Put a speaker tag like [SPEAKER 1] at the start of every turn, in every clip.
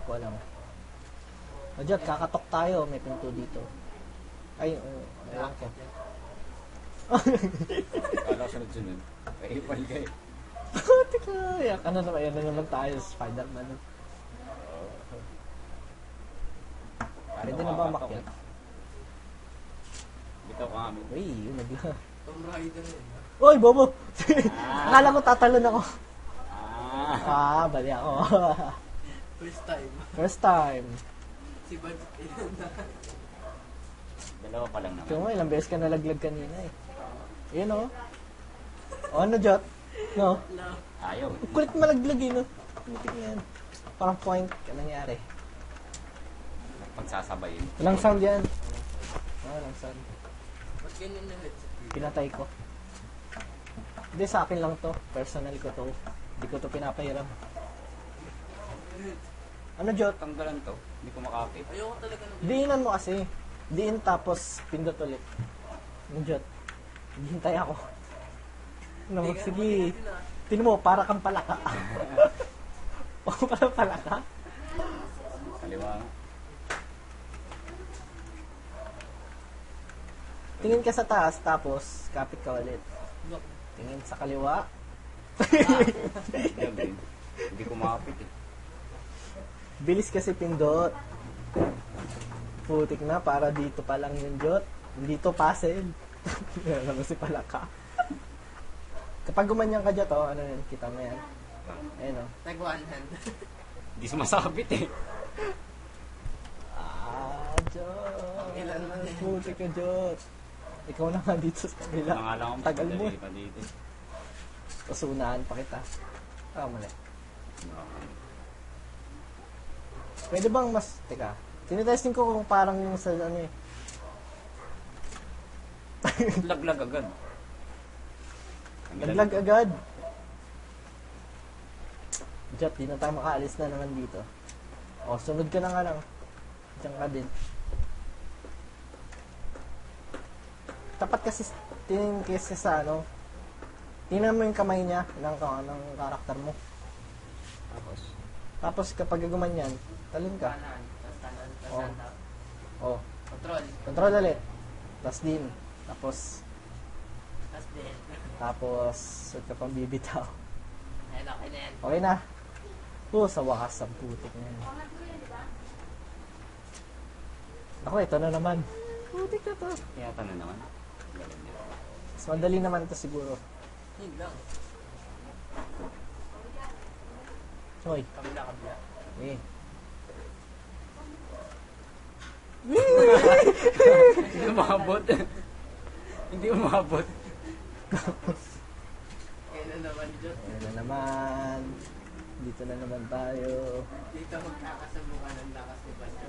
[SPEAKER 1] ko alam. O, Jot, kakatok tayo. May pinto dito. Ay, ewan ko.
[SPEAKER 2] Kala ko sunod-sunod. Ay, ipal kayo.
[SPEAKER 1] Teka, yan na naman tayo, Spider-Man. Pwede na ba umakyat?
[SPEAKER 2] Bitaw ka nga.
[SPEAKER 1] Uy, yun nagla.
[SPEAKER 3] Tomb Raider yun.
[SPEAKER 1] Uy, bobo! Akala ko tatalon ako. Bali ako.
[SPEAKER 3] First time.
[SPEAKER 1] First time.
[SPEAKER 3] Si Bad ilan na.
[SPEAKER 2] Dalawa pa lang naman.
[SPEAKER 1] Kaya mo, ilang beses ka nalaglag kanina eh. Yun o. O ano, Jot? No?
[SPEAKER 3] No.
[SPEAKER 2] Ayaw.
[SPEAKER 1] Kulit malaglag eh, no? Kulitik na yan. Parang point. Anong nangyari?
[SPEAKER 2] Pagsasabayin.
[SPEAKER 1] Walang sound yan. Walang sound.
[SPEAKER 3] Ba't ganyan na headset?
[SPEAKER 1] Pinatay ko. Hindi, sa akin lang to. Personal ko to. Hindi ko to pinapahiram. Ano, Jot?
[SPEAKER 2] Tanggalan to. Hindi ko makapit.
[SPEAKER 3] Ayoko talaga ng
[SPEAKER 1] Diinan mo kasi. Diin tapos pindot ulit. Ano, Jot? Hintay ako. Ano, sige. Tinan mo, para kang palaka. Para palaka?
[SPEAKER 2] Kaliwa nga.
[SPEAKER 1] Tingin ka sa taas, tapos kapit ka ulit. Tingin sa kaliwa.
[SPEAKER 2] Hindi ko makapit eh.
[SPEAKER 1] Bilis kasi pindot. Putik na, para dito pa lang yung Jot. Dito puzzle. Yan naman si palaka. Kapag gumanyan ka Jot, ano yun, kita mo yan. Ayun o.
[SPEAKER 3] Tag one hand.
[SPEAKER 2] Hindi sumasabit eh.
[SPEAKER 1] Jot.
[SPEAKER 3] Ilan naman eh.
[SPEAKER 1] Putik ka Jot. Ikaw na nga dito sa kabila.
[SPEAKER 2] Mga lang akong
[SPEAKER 1] Tagal mo.
[SPEAKER 2] pa dito.
[SPEAKER 1] Tapos unahan pa kita. Mali. Pwede bang mas... Teka. Tinitesting ko kung parang sa ano eh.
[SPEAKER 2] Laglag agad.
[SPEAKER 1] Naglag agad. Jot, di na tayo makaalis na naman dito. O, sunod ka na nga lang. Diyan ka din. Tapat kasi, tingin kasi sa ano, tingnan mo yung kamay niya ng karakter mo. Tapos kapag gumanyan, talon ka.
[SPEAKER 3] Kanan. Tapos kanan. Tapos
[SPEAKER 1] Oh.
[SPEAKER 3] hand up.
[SPEAKER 1] O,
[SPEAKER 3] Control.
[SPEAKER 1] control ulit. Tapos din. Tapos,
[SPEAKER 3] Tapos din.
[SPEAKER 1] huwag ka pang bibitaw.
[SPEAKER 3] Ayun, okay na yan.
[SPEAKER 1] Okay na. Sa wakas ang putik na yan. Ako, ito na naman. Putik na to.
[SPEAKER 2] Yata na naman. Galing nila.
[SPEAKER 1] Mas madali naman ito siguro.
[SPEAKER 3] Yun lang.
[SPEAKER 1] Hoy.
[SPEAKER 3] Kabila.
[SPEAKER 1] Eh.
[SPEAKER 2] Hindi umabot. Hindi umabot.
[SPEAKER 3] Ayun na naman, Jot.
[SPEAKER 1] Ayan na naman. Dito na naman tayo.
[SPEAKER 3] Dito magkakasabukan ng lakas ni Bad.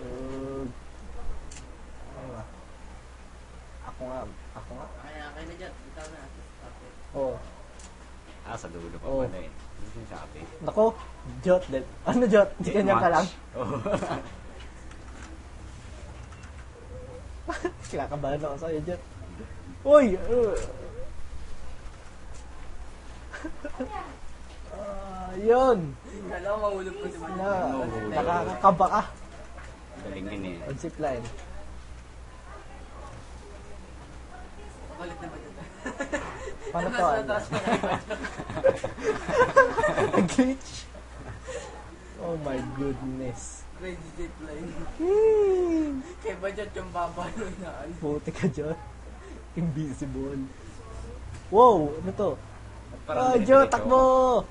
[SPEAKER 1] Ano ba? Ako nga.
[SPEAKER 3] Okay na, Jot. Ikaw na. Okay.
[SPEAKER 1] Oh.
[SPEAKER 2] Sa dulo pa
[SPEAKER 1] Oh.
[SPEAKER 2] pala eh. Hindi siya shopee.
[SPEAKER 1] Nako. Jot. Ano Jot? Di kanya ka lang.
[SPEAKER 2] Oo.
[SPEAKER 1] Kinakabahan ako sa'yo, Jot. Uy! Yun!
[SPEAKER 3] Alam mo, mahulog ko si Bad.
[SPEAKER 1] Nakakakaba ka.
[SPEAKER 2] Galing din eh.
[SPEAKER 1] On zip line.
[SPEAKER 3] Kulit na ba Jot?
[SPEAKER 1] Paano to? Glitch? Oh my goodness.
[SPEAKER 3] Crazy zip line.
[SPEAKER 1] Whee!
[SPEAKER 3] Kay Bajot yung babalo na ano.
[SPEAKER 1] Puti ka dyan. Invisible. Wow! Ano to? Joe, takbo!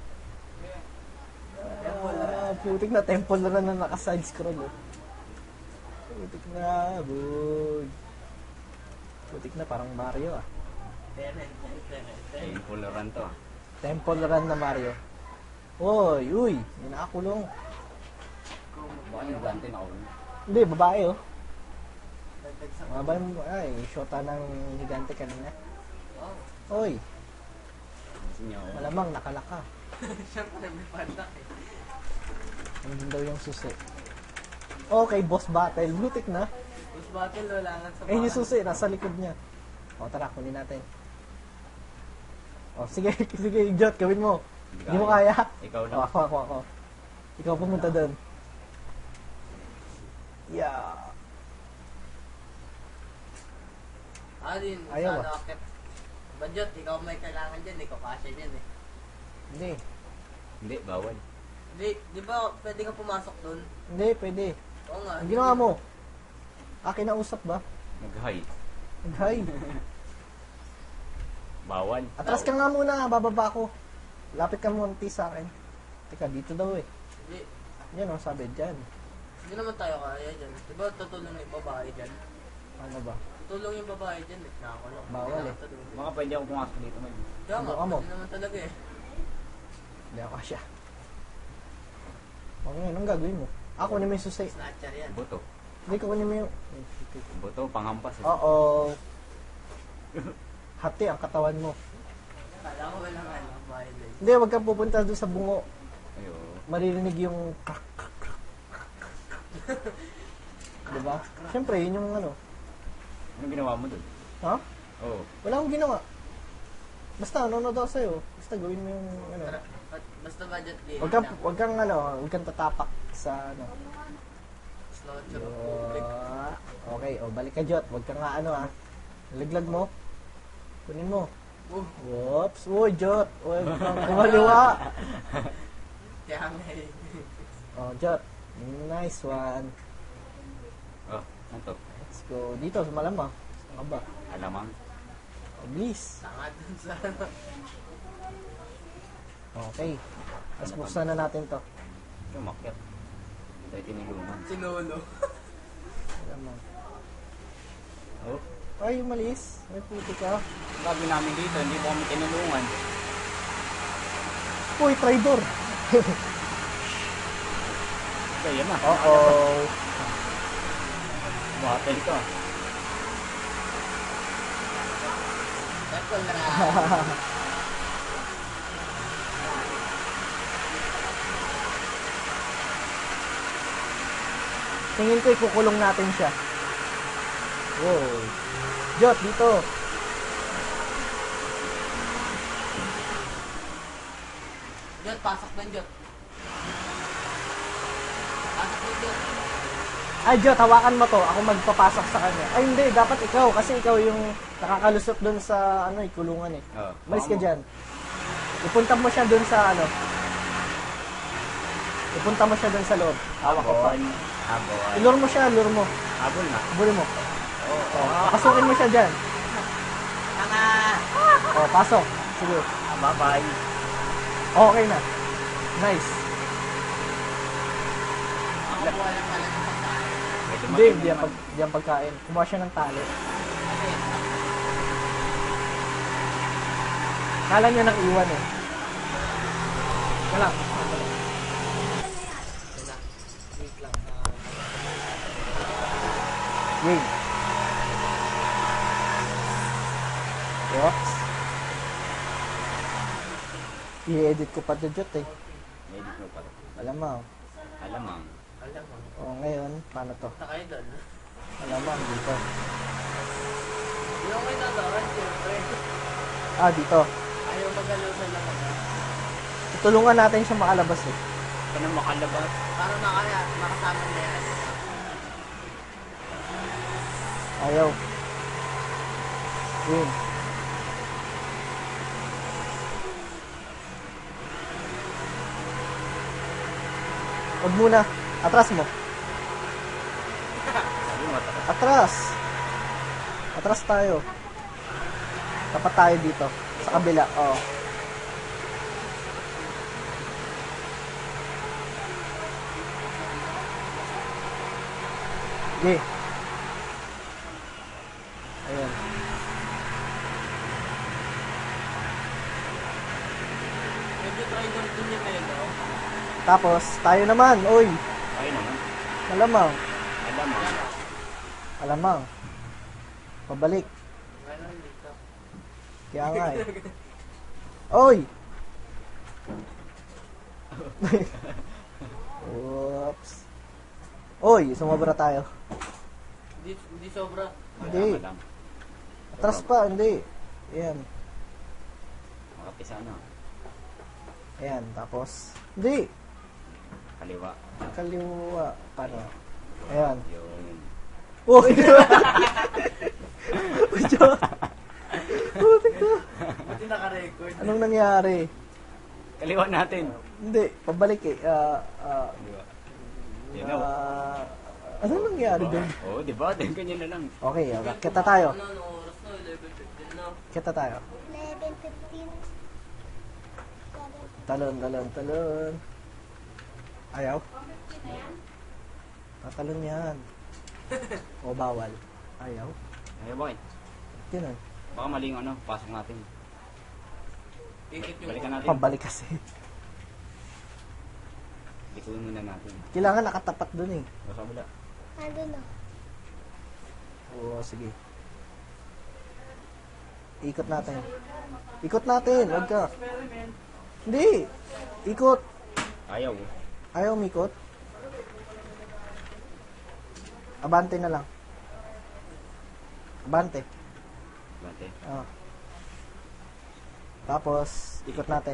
[SPEAKER 1] Putik na temple na naka-side scroll. Oh. Putik na, boy. Putik na, parang Mario ah.
[SPEAKER 2] Painful run to.
[SPEAKER 1] Temple run na Mario. Uy, may nakakulong.
[SPEAKER 2] Baka yung gante na ako.
[SPEAKER 1] Hindi, babae oh. Mga ba yung, shota ng higante kanina. Uy,
[SPEAKER 2] Sinyo.
[SPEAKER 1] malamang nakalaka.
[SPEAKER 3] Siyempre, may panak eh.
[SPEAKER 1] Nandun daw yung susi. Okay, boss battle. Blutik na.
[SPEAKER 3] Boss battle, wala nga sa
[SPEAKER 1] Yung susi, nasa likod niya. O, tara, kunin natin. O, sige, sige, Jot, gawin mo. Hindi mo kaya.
[SPEAKER 2] Ikaw lang.
[SPEAKER 1] O, ako. Ikaw pumunta doon. Yeah.
[SPEAKER 3] Din,
[SPEAKER 1] Ayaw
[SPEAKER 3] sana akit. Bajot, ikaw may kailangan dyan, ikaw kasya dyan eh.
[SPEAKER 1] Hindi.
[SPEAKER 2] Hindi, bawal.
[SPEAKER 3] Di ba pwede ka pumasok dun?
[SPEAKER 1] Hindi, pwede.
[SPEAKER 3] Oo nga.
[SPEAKER 1] Ang ginawa mo? Akin na usap ba?
[SPEAKER 2] Nag-high.
[SPEAKER 1] Nag-hi.
[SPEAKER 2] Bawal.
[SPEAKER 1] Atras ka nga muna, bababa ko. Lapit ka munti sa akin. Teka, dito daw eh.
[SPEAKER 3] Hindi,
[SPEAKER 1] Yan o, sabi dyan.
[SPEAKER 3] hindi naman tayo kaya dyan. Di ba tutulong yung babae dyan?
[SPEAKER 1] Ano ba?
[SPEAKER 3] Tutulong yung babae dyan, nakakulong.
[SPEAKER 1] Bawal eh.
[SPEAKER 2] Mga pwede ako pumasok dito man.
[SPEAKER 3] Kaya nga,
[SPEAKER 1] Subukan mo.
[SPEAKER 3] pwede naman talaga eh.
[SPEAKER 1] Hindi ako kasya. O ngayon, anong gagawin mo? Ako kunin mo yung susay.
[SPEAKER 3] Snatcher yan.
[SPEAKER 2] Buto.
[SPEAKER 1] Hindi ko kunin mo yung...
[SPEAKER 2] Buto, panghampas. Eh.
[SPEAKER 1] Oo. Hati ang katawan mo.
[SPEAKER 3] Kala ko walang ano, violence.
[SPEAKER 1] Hindi, wag kang pupunta doon sa bungo.
[SPEAKER 2] Ayo.
[SPEAKER 1] Maririnig yung... Diba? Siyempre, yun yung ano.
[SPEAKER 2] Anong ginawa mo dun?
[SPEAKER 1] Ha?
[SPEAKER 2] Oo.
[SPEAKER 1] Wala akong ginawa. Basta, nanonood ako sa'yo. Basta gawin mo yung ano.
[SPEAKER 3] Basta budget game.
[SPEAKER 1] Wag kang ano, wag kang tatapak sa ano.
[SPEAKER 3] Snatcher of public.
[SPEAKER 1] Okay, o balik ka Jot. Wag kang nga ano ah. Laglag mo. Kunin mo. Whoops. Uy, Jot. Wag kang kumaliwa.
[SPEAKER 3] Kaya nga eh.
[SPEAKER 1] Oh, Jot. Nice one.
[SPEAKER 2] Oh, ano to?
[SPEAKER 1] Let's go. Dito, sa malamang. Saan ka ba?
[SPEAKER 2] Alamang.
[SPEAKER 1] Oh, please.
[SPEAKER 3] Tanga dun sa ano.
[SPEAKER 1] Okay. Tapos buksan na natin to.
[SPEAKER 2] Sumakyat. Tayo tinulungan.
[SPEAKER 3] Sinolo.
[SPEAKER 1] Malamang.
[SPEAKER 2] Oh.
[SPEAKER 1] Ay, umalis. May puti ka.
[SPEAKER 2] Sabi namin dito, hindi po kami tinulungan.
[SPEAKER 1] Uy, traitor.
[SPEAKER 2] Kaya na.
[SPEAKER 1] Uh-oh.
[SPEAKER 2] Battle ka.
[SPEAKER 3] Eto na.
[SPEAKER 1] Tingin ko ikukulong natin siya. Wow. Jot, dito.
[SPEAKER 3] Jot, pasok na Jot. Pasok na Jot.
[SPEAKER 1] Ay, Jot, hawakan mo to. Ako magpapasok sa kanya. Ay, hindi. Dapat ikaw. Kasi ikaw yung nakakalusot dun sa, ano, kulungan eh.
[SPEAKER 2] Oh.
[SPEAKER 1] Malis ka dyan. Ipunta mo siya dun sa, ano. Ipunta mo siya dun sa loob. Hawak ko pa.
[SPEAKER 2] Habol.
[SPEAKER 1] Ilur mo siya, lure mo.
[SPEAKER 2] Habol na.
[SPEAKER 1] Habulin mo.
[SPEAKER 2] Oo.
[SPEAKER 1] Oh, pasukin mo siya dyan.
[SPEAKER 3] Tanga!
[SPEAKER 1] Oh, pasok. Sige.
[SPEAKER 2] Bye-bye.
[SPEAKER 1] Okay na. Nice.
[SPEAKER 3] Makakuha lang pala ng pagkain.
[SPEAKER 2] Medyo
[SPEAKER 1] Hindi,
[SPEAKER 2] matindi naman.
[SPEAKER 1] di ang pagkain. Kumuha siya ng tali.
[SPEAKER 3] Kasi,
[SPEAKER 1] Kala niya nang iwan eh. Wala.
[SPEAKER 3] wait lang.
[SPEAKER 1] Game. Whoops. I-edit ko pa to Jot eh.
[SPEAKER 2] Medyo mo pa.
[SPEAKER 1] Alamang.
[SPEAKER 2] Alamang.
[SPEAKER 3] Alam mo.
[SPEAKER 1] O ngayon, paano to?
[SPEAKER 3] Punta kayo doon.
[SPEAKER 1] Alamang dito.
[SPEAKER 3] Hindi ako may nadaran, siyempre.
[SPEAKER 1] Ah, dito.
[SPEAKER 3] Ayaw magalaw sa laman.
[SPEAKER 1] Tutulungan natin siya makalabas eh.
[SPEAKER 2] Ito na makalabas.
[SPEAKER 3] Para makasama na yan.
[SPEAKER 1] Ayaw. Win. Huwag muna. Atras mo.
[SPEAKER 2] Sabi mo, tapos.
[SPEAKER 1] Atras. Atras tayo. Tapat tayo dito. Sa kabila. Oo. Okay. Ayan.
[SPEAKER 3] Medyo try doon din yung melo.
[SPEAKER 1] Tapos, tayo naman. Uy.
[SPEAKER 2] Ayun naman.
[SPEAKER 1] Malamang.
[SPEAKER 2] Alamang.
[SPEAKER 1] Alamang. Pabalik.
[SPEAKER 3] Meron dito.
[SPEAKER 1] Kaya nga eh. Oy! Oops. Oy, sumobra tayo.
[SPEAKER 3] Hindi sobra.
[SPEAKER 1] Hindi.
[SPEAKER 2] Wala lang.
[SPEAKER 1] Atras pa, hindi. Ayan.
[SPEAKER 2] Makapisa na.
[SPEAKER 1] Ayan, tapos. Hindi.
[SPEAKER 2] Kaliwa.
[SPEAKER 1] Kaliwa. Paano? Ayan.
[SPEAKER 2] Yun.
[SPEAKER 1] Oh, Ujo. Putik na.
[SPEAKER 3] Buti naka-record.
[SPEAKER 1] Anong nangyari?
[SPEAKER 2] Kaliwa natin.
[SPEAKER 1] Hindi, pabalik eh.
[SPEAKER 2] Kaliwa. Yun o.
[SPEAKER 1] Anong nangyari doon?
[SPEAKER 2] Oo, di ba? Ganyan na lang.
[SPEAKER 1] Okay, kita tayo.
[SPEAKER 3] Ano, anong oras na? 11:15 na.
[SPEAKER 1] Kita tayo.
[SPEAKER 4] 11:15.
[SPEAKER 1] Talon. Ayaw? Tatalon yan. O bawal? Ayaw?
[SPEAKER 2] Ay, boy.
[SPEAKER 1] Yun ah.
[SPEAKER 2] Baka maling ano, pasok natin.
[SPEAKER 3] Ikit yung
[SPEAKER 2] Balikan natin.
[SPEAKER 1] Pabalik kasi.
[SPEAKER 2] Likuin muna natin.
[SPEAKER 1] Kailangan nakatapat dun eh.
[SPEAKER 2] Basta wala.
[SPEAKER 4] Ano na?
[SPEAKER 1] Oo, sige. Ikot natin. Ikot natin, wag ka. Hindi. Ikot.
[SPEAKER 2] Ayaw.
[SPEAKER 1] Ayaw umikot. Abante na lang. Abante.
[SPEAKER 2] Bante.
[SPEAKER 1] Ah. Tapos, ikot natin.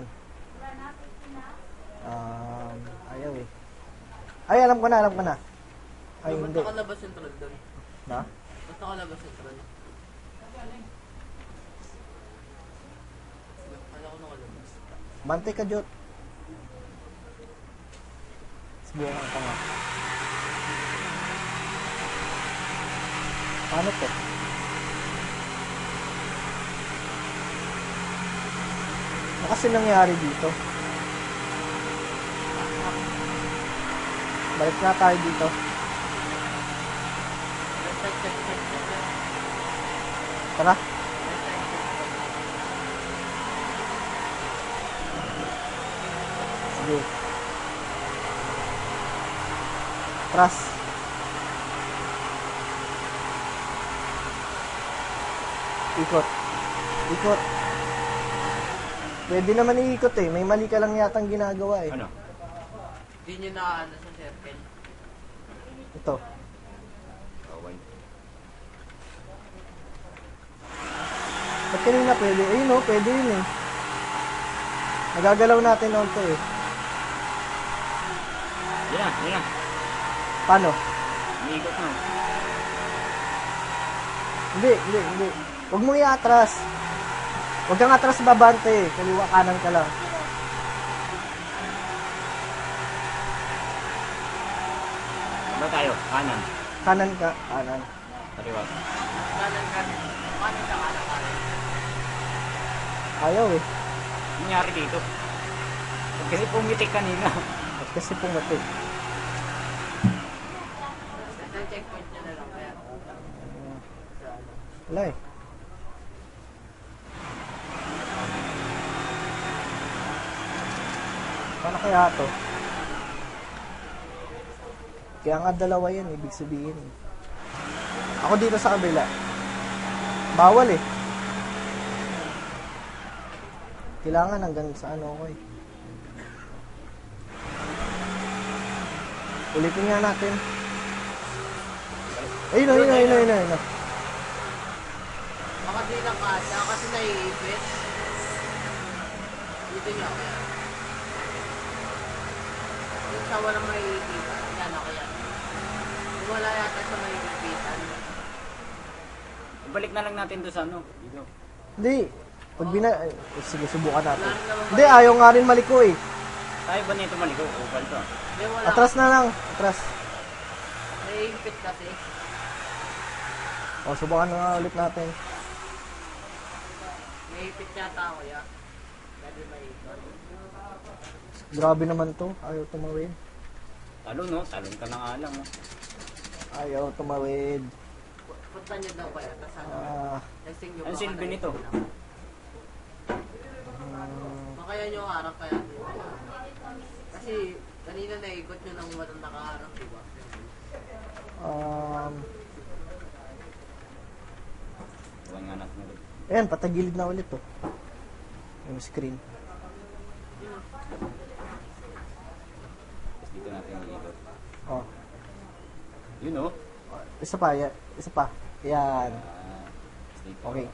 [SPEAKER 1] Ayaw eh. Ay, alam ko na. Ay,
[SPEAKER 3] Ba't
[SPEAKER 1] hindi.
[SPEAKER 3] nakalabas yung troll doon?
[SPEAKER 1] Na?
[SPEAKER 3] Ba't nakalabas yung troll? Kala ko nakalabas.
[SPEAKER 1] Bante ka, Jot. Subukan ka nga. Paano to? Ano kasi nangyari dito? Balik na tayo dito.
[SPEAKER 3] Check.
[SPEAKER 1] Tara. Sige. Tras. Ikot. Pwede naman iikot eh. May mali ka lang yatang ginagawa eh.
[SPEAKER 2] Ano?
[SPEAKER 3] Hindi nyo na ano sa circle.
[SPEAKER 1] Ito.
[SPEAKER 2] Kawan.
[SPEAKER 1] Ba't kanina pwede? Ayun o, pwede yun eh. Nagagalaw natin on to eh.
[SPEAKER 2] Yan na.
[SPEAKER 1] Paano?
[SPEAKER 2] Umiikot na.
[SPEAKER 1] Hindi. Huwag mong i-atras. Huwag kang atras babante eh. Kaliwa kanan ka lang.
[SPEAKER 2] Ano tayo? Kanan.
[SPEAKER 1] Kanan ka. Kanan.
[SPEAKER 2] Kaliwa.
[SPEAKER 3] Kanan. Kanan ka kanan.
[SPEAKER 1] Ayaw eh.
[SPEAKER 2] Ano nangyari dito? Kasi pumitik kanina.
[SPEAKER 1] At kasi pumatik.
[SPEAKER 3] Sa checkpoint nyo na lang kaya.
[SPEAKER 1] Wala eh. Paano kaya to? Kaya nga dalawa yan, ibig sabihin eh. Ako dito sa kabila. Bawal eh. Kailangan hanggang sa ano ko eh. Ulitin nga natin. Ayun.
[SPEAKER 3] Baka di lang kaya kasi naiipit. Dito nyo kaya. Yung sa walang maiipitan. Yan ako yan. Kung wala yata sa maiipitan.
[SPEAKER 2] Balik na lang natin doon sa ano. Dito.
[SPEAKER 1] Hindi. Pag sige, subukan natin.
[SPEAKER 3] Wala naman
[SPEAKER 1] Hindi, ayaw nga rin maliko eh.
[SPEAKER 2] Tayo ba nito maliko? Oval to.
[SPEAKER 3] Hindi wala.
[SPEAKER 1] Atras na lang. Atras.
[SPEAKER 3] Naiipit kasi.
[SPEAKER 1] O, subukan na nga ulit natin.
[SPEAKER 3] Naiipit yata ako yan. Pwede maiipit.
[SPEAKER 1] Grabe naman to. Ayaw tumawid.
[SPEAKER 2] Talon no? Talon ka na nga lang. Oh.
[SPEAKER 1] Ayaw tumawid.
[SPEAKER 3] Punta nyo daw kaya. Tapos ano. Testing nyo
[SPEAKER 2] Ang
[SPEAKER 3] baka
[SPEAKER 2] silbi nito?
[SPEAKER 3] naiipit lang. Baka yan yung harap kaya. Kasi kanina naikot nyo ng walang nakaharap, di ba?
[SPEAKER 2] Huwag nga natin ulit.
[SPEAKER 1] Ayan, patagilid na ulit to. Yung screen.
[SPEAKER 2] Tapos dito natin iikot.
[SPEAKER 1] Oh.
[SPEAKER 2] Yun oh.
[SPEAKER 1] Isa pa. Yan.
[SPEAKER 2] Tapos dito.
[SPEAKER 1] Okay.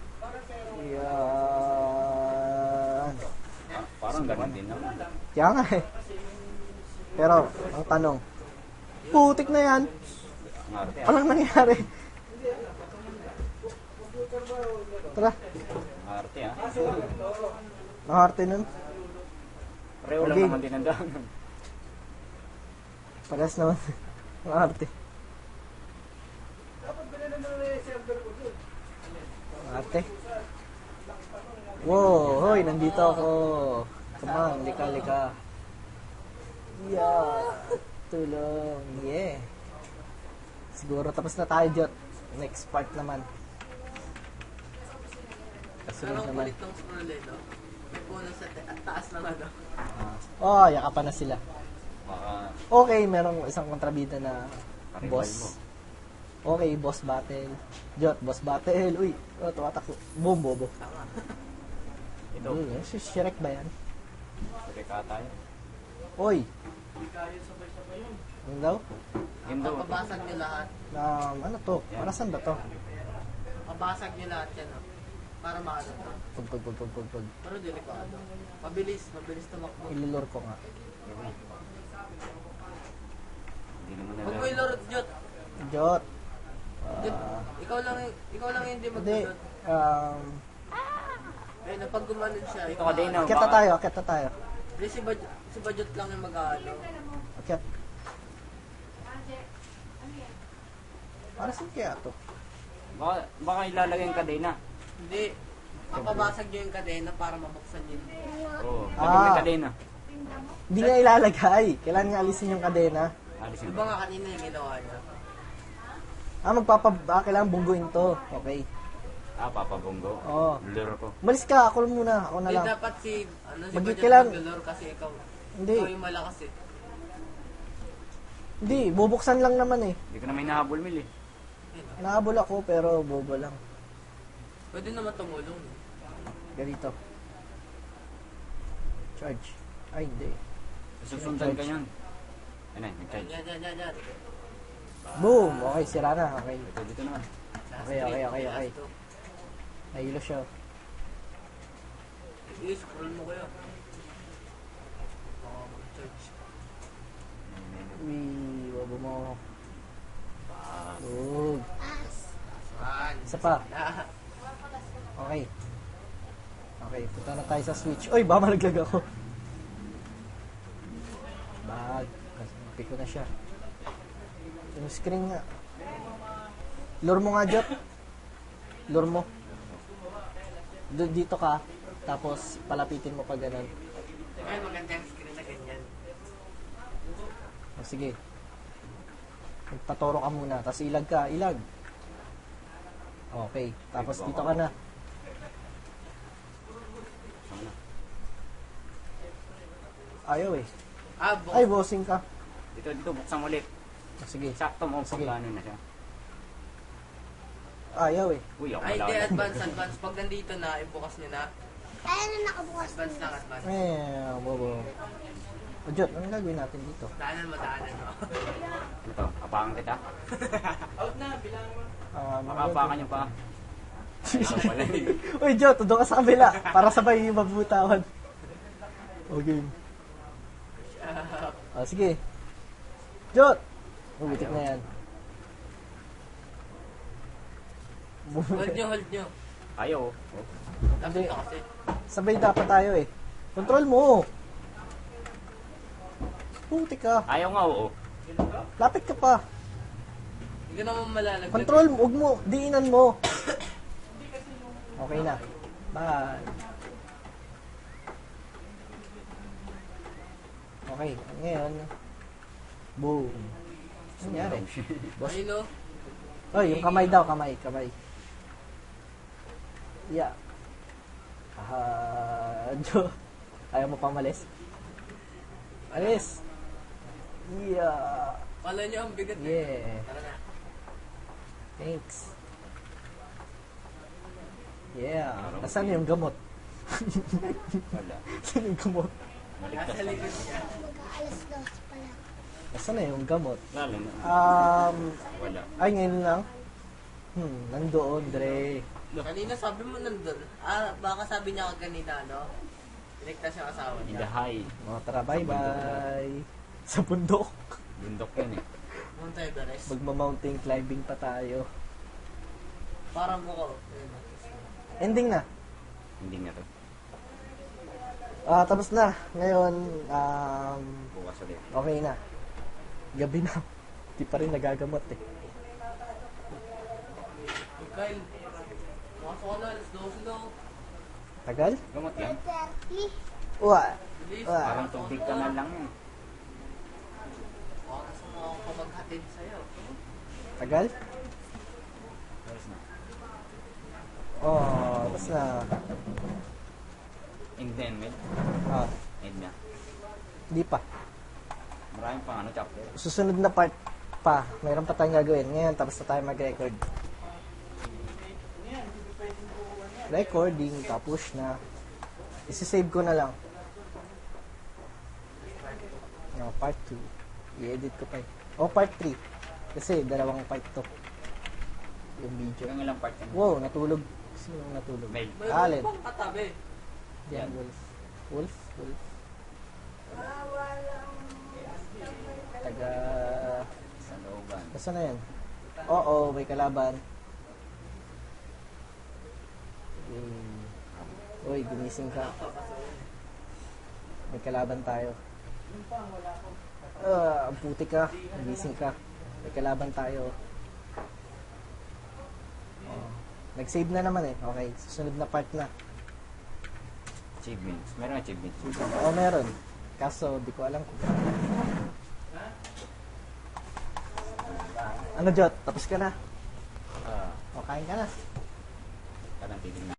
[SPEAKER 1] Yan.
[SPEAKER 2] Parang ganun din naman.
[SPEAKER 1] Kaya nga eh. Pero, ang tanong, Putik na yan.
[SPEAKER 2] Ang arte ah.
[SPEAKER 1] Walang nangyari. Tara.
[SPEAKER 2] Ang arte ah.
[SPEAKER 1] Nakarte nun.
[SPEAKER 2] Pareho lang
[SPEAKER 1] Okay.
[SPEAKER 2] naman din ang daanan.
[SPEAKER 1] Parehas naman. Nakarte. Ate. Wow, hoy, nandito ako. Come on, lika. Yeah. Tulong. Yeah. Siguro tapos na tayo, Jot. Next part naman. Kasunod
[SPEAKER 3] Pero ang
[SPEAKER 1] naman.
[SPEAKER 3] kulit ng scroll eh, no? May puno sa at taas lang ano.
[SPEAKER 1] Oh, yakapan na sila.
[SPEAKER 2] Baka
[SPEAKER 1] Okay, merong isang kontrabida na
[SPEAKER 2] karibal
[SPEAKER 1] boss.
[SPEAKER 2] mo.
[SPEAKER 1] Okay, boss battle. Jot, boss battle. Uy, oh, tumatakbo. Boom, bobo.
[SPEAKER 2] Ito.
[SPEAKER 1] Si Shrek ba yan?
[SPEAKER 2] Sige ka tayo.
[SPEAKER 1] Oy. Ano daw?
[SPEAKER 2] Yun daw.
[SPEAKER 3] Papabasag nyo lahat.
[SPEAKER 1] Ano to? Para saan ba to?
[SPEAKER 3] Papabasag nyo lahat yan, no? Para maano to.
[SPEAKER 1] Pag.
[SPEAKER 3] Pero delikado. Mabilis tumakbo.
[SPEAKER 1] Ilulor ko nga.
[SPEAKER 2] Hindi naman
[SPEAKER 3] Huwag mo
[SPEAKER 2] nila.
[SPEAKER 3] ilorot, Jot.
[SPEAKER 1] Jot.
[SPEAKER 3] Jot, ikaw lang yung hindi
[SPEAKER 1] Hindi.
[SPEAKER 3] magdudot. Eh, napag gumanon siya.
[SPEAKER 2] Ito ka din, no?
[SPEAKER 1] Akit na tayo.
[SPEAKER 3] Hindi, si Bajot lang yung mag-ano.
[SPEAKER 1] Akit. Para saan kaya to?
[SPEAKER 2] Baka ilalagay yung kadena.
[SPEAKER 3] Hindi. Papabasag nyo yung kadena para mabuksan yun.
[SPEAKER 2] Oo.
[SPEAKER 1] Ah.
[SPEAKER 2] Lagyan mo yung kadena.
[SPEAKER 1] Hindi nga ilalagay. Kailangan nga alisin yung kadena.
[SPEAKER 2] Alisin
[SPEAKER 3] Di ba nga kanina yung ginawa niya?
[SPEAKER 1] Kailangan bungguin to. Okay.
[SPEAKER 2] Papabunggo.
[SPEAKER 1] Oo.
[SPEAKER 2] Lure ko.
[SPEAKER 1] Umalis ka. Ako muna. Ako na
[SPEAKER 3] Hindi,
[SPEAKER 1] lang.
[SPEAKER 3] dapat si Bajot
[SPEAKER 1] Kailangan-
[SPEAKER 3] mag-lure kasi ikaw.
[SPEAKER 1] Hindi.
[SPEAKER 3] Ikaw yung malakas eh.
[SPEAKER 1] Hindi. Bubuksan lang naman eh.
[SPEAKER 2] Hindi ko na may nahabol, Mil eh.
[SPEAKER 1] Nahabol ako pero bobo lang.
[SPEAKER 3] Pwede naman tumulong.
[SPEAKER 1] Ganito. Charge. Ay, hindi.
[SPEAKER 2] Susundan ka yan. Ayun na, nag-charge.
[SPEAKER 3] Yan.
[SPEAKER 1] Boom! Okay, sira na. Okay.
[SPEAKER 2] Ito, dito naman.
[SPEAKER 3] Last
[SPEAKER 1] Okay.
[SPEAKER 3] last two.
[SPEAKER 1] Nahilo siya.
[SPEAKER 3] I-scroll mo kayo. Baka mag-charge.
[SPEAKER 1] Uy, wabo mo. Good.
[SPEAKER 3] Saan?
[SPEAKER 1] Isa pa.
[SPEAKER 3] Ah,
[SPEAKER 1] Okay. Okay, punta na tayo sa switch. Uy, baka malaglag ako. Bag. Kasi ko na siya. Yung screen nga. Lure mo nga, Jot. Lure mo. Dito ka. Tapos, palapitin mo pa ganun.
[SPEAKER 3] Ay, maganda yung screen na ganyan.
[SPEAKER 1] O, sige. Magpatoro ka muna. Tapos ilag ka. Ilag. Okay. Tapos dito ka na.
[SPEAKER 2] Sana.
[SPEAKER 1] Ayaw eh.
[SPEAKER 3] Bukas.
[SPEAKER 1] Ay, bossing ka.
[SPEAKER 2] Dito, buksan ulit.
[SPEAKER 1] O, sige.
[SPEAKER 2] Sakto mo
[SPEAKER 1] Sige.
[SPEAKER 2] pag ano na siya.
[SPEAKER 1] Ayaw eh.
[SPEAKER 2] Uy, ako
[SPEAKER 3] Ay,
[SPEAKER 2] wala
[SPEAKER 3] hindi,
[SPEAKER 2] ka.
[SPEAKER 3] advance. Pag nandito na, ibukas nyo na.
[SPEAKER 4] Ay, ano nakabukas
[SPEAKER 3] Advance lang, advance.
[SPEAKER 1] Bobo. O, Jot, anong gagawin natin dito?
[SPEAKER 3] Daanan mo.
[SPEAKER 2] Ito, apakan kita.
[SPEAKER 3] Out na, bilang mo.
[SPEAKER 2] Makapakan niyo pa. Ito pala eh.
[SPEAKER 1] Uy, Jot, doon ka sa kabila. Para sabay yung mabutawan. Okay. Sige. Jot! Butik na yan.
[SPEAKER 3] Hold nyo.
[SPEAKER 2] Ayaw. Oh.
[SPEAKER 3] Lapit ka kasi.
[SPEAKER 1] Sabay dapat tayo eh. Control mo. Butik ka.
[SPEAKER 2] Ayaw nga, oo.
[SPEAKER 1] Lapit ka pa.
[SPEAKER 3] Hindi ka naman malalaglag.
[SPEAKER 1] Control mo. Huwag mo. Diinan mo. Okay na. Bye. Okay. Ngayon. Boom. Ano nangyari? Boss.
[SPEAKER 3] Ayun o.
[SPEAKER 1] Oy, yung kamay daw. Kamay. Yeah. Jo. Ayaw mo pang malis? Alis. Yeah.
[SPEAKER 3] Kala nyo ang bigat.
[SPEAKER 1] Yeah.
[SPEAKER 3] Tara na.
[SPEAKER 1] Thanks. Yeah. Nasaan yung gamot?
[SPEAKER 2] Wala.
[SPEAKER 1] Nasaan yung gamot?
[SPEAKER 2] Maligtas
[SPEAKER 3] Nasa
[SPEAKER 2] lang.
[SPEAKER 3] likod niya.
[SPEAKER 4] mag-aalas 2 pala.
[SPEAKER 1] Nasaan na yung gamot?
[SPEAKER 2] Lalo na. Wala.
[SPEAKER 1] Ay, ngayon lang? Nandoon, Dre.
[SPEAKER 3] Kanina sabi mo nandun. Baka sabi niya kanina, no? Iligtas yung asawa
[SPEAKER 2] In
[SPEAKER 3] niya.
[SPEAKER 2] the high.
[SPEAKER 1] Mga tara, bye-bye. Sa bundok.
[SPEAKER 2] Bundok yan eh.
[SPEAKER 3] Mount Everest.
[SPEAKER 1] Magma-mountain climbing pa tayo.
[SPEAKER 3] Parang buko. Ayun.
[SPEAKER 1] Ending na.
[SPEAKER 2] Hindi nga to.
[SPEAKER 1] Tapos na. Ngayon,
[SPEAKER 2] Bukas ulit.
[SPEAKER 1] okay na. Gabi na. Di pa rin nagagamot eh.
[SPEAKER 3] Kyle, makasok ka na. Alas 12 daw.
[SPEAKER 1] Tagal?
[SPEAKER 2] Gamot yan.
[SPEAKER 4] 30.
[SPEAKER 1] Uwa.
[SPEAKER 3] Bilis.
[SPEAKER 1] Ah.
[SPEAKER 2] Parang tubig ka na lang yan.
[SPEAKER 3] Baka gusto mo akong pamaghatid sa'yo.
[SPEAKER 1] Tagal?
[SPEAKER 2] Tapos na.
[SPEAKER 1] Tapos na.
[SPEAKER 2] And then, med.
[SPEAKER 1] Ah,
[SPEAKER 2] End na.
[SPEAKER 1] di pa.
[SPEAKER 2] Maraming pang ano, chapter.
[SPEAKER 1] Susunod na part pa. Mayroon pa tayong gagawin. Ngayon, tapos na tayo mag-record. Recording, tapos na. Isisave ko na lang. No, part 2. I-edit ko pa eh. Part 3. Kasi dalawang part to. Yung video.
[SPEAKER 2] Hanggang ilang part yan.
[SPEAKER 1] Wow, natulog. Sino natulog?
[SPEAKER 2] May.
[SPEAKER 3] May
[SPEAKER 1] Alin?
[SPEAKER 3] bang katabi?
[SPEAKER 1] Yan, Wolf. Wolf? Wolf. Taga...
[SPEAKER 2] Sa looban.
[SPEAKER 1] Basta na yan? Oo, may kalaban. Uy, gumising ka. May kalaban tayo. Ang puti ka. Gumising ka. May kalaban tayo. Nag-save na naman eh. Okay, susunod na part na.
[SPEAKER 2] Achievements. Meron achievements.
[SPEAKER 1] Meron. Kaso, di ko alam kung... Ano, Jot? Tapos ka na?
[SPEAKER 2] Ah,
[SPEAKER 1] Kain ka na.
[SPEAKER 2] parang titignan.